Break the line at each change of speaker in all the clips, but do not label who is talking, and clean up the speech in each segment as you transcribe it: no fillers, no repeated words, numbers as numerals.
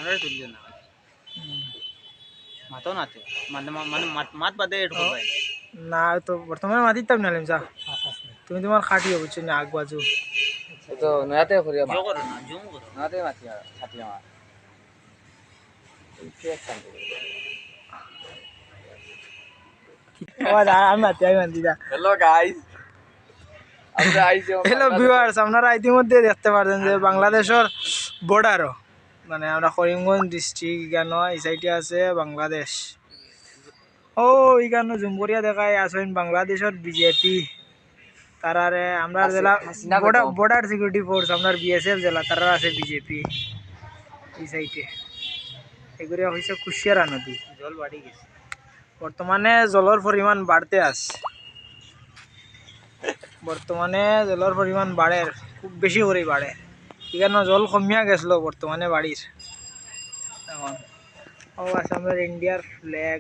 আমরা তুললে না মাতো নাতে মানে মানে মাত বাদে এটুকু ভাই
না তো বর্তমানে মাটির তাপ নালিম যা তুমি তোমার খাটিও বুঝছো না আগ বাজু
তো নয়াতে করিয়া
জো করো না জুম করো
নয়াতে মাতি খাটি আমার
আমি মাতি যা
হ্যালো গাইস আমরা আইছি
হ্যালো ভিউয়ার্স আপনারা ইতিমধ্যে দেখতে পারছেন যে বাংলাদেশের বর্ডারও মানে আমরা করিমগঞ্জ ডিস্ট্রিক্ট কেন এই সাইডে আছে বাংলাদেশ ও এইখানে জুমকরিয়া দেখায় আসেন বাংলাদেশের বিজেপি তারারে আমরা জেলা বর্ডার সিকিউরিটি ফোর্স আপনার বিএসএফ জেলা তারা আছে বিজেপি এই সাইডে এগুলো হয়েছে কুশিয়ারা নদী
জল বাড়ি গেছে
বর্তমানে জলের পরিমাণ বাড়তে আছে বর্তমানে জলের পরিমাণ বাড়ে খুব বেশি করে বাড়ে এখানে জল কমিয়া গেছিল বর্তমানে বাড়ির এখন ও আসামের ইন্ডিয়ার ফ্ল্যাগ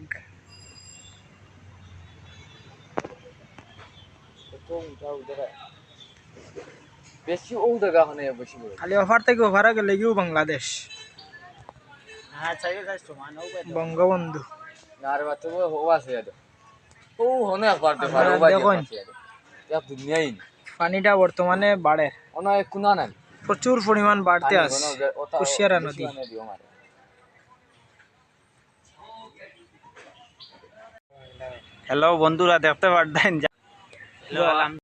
বেশি ও জায়গা হনে বেশি করে
খালি অফার থেকে অফারে গেলে গিয়েও বাংলাদেশ
হ্যাঁ চাই চাই সমান হবে
বঙ্গবন্ধু
আর বাতে ও আছে আদে ও হনে একবার দে পারো বাজে
দেখুন।
আছে আদে ইয়া দুনিয়াই
পানিটা বর্তমানে বাড়ে
ওনা কুনা না
প্রচুর পরিমাণ বাড়তে আছে কুশিয়ারা নদী
হ্যালো বন্ধুরা দেখতে পারতেন হ্যালো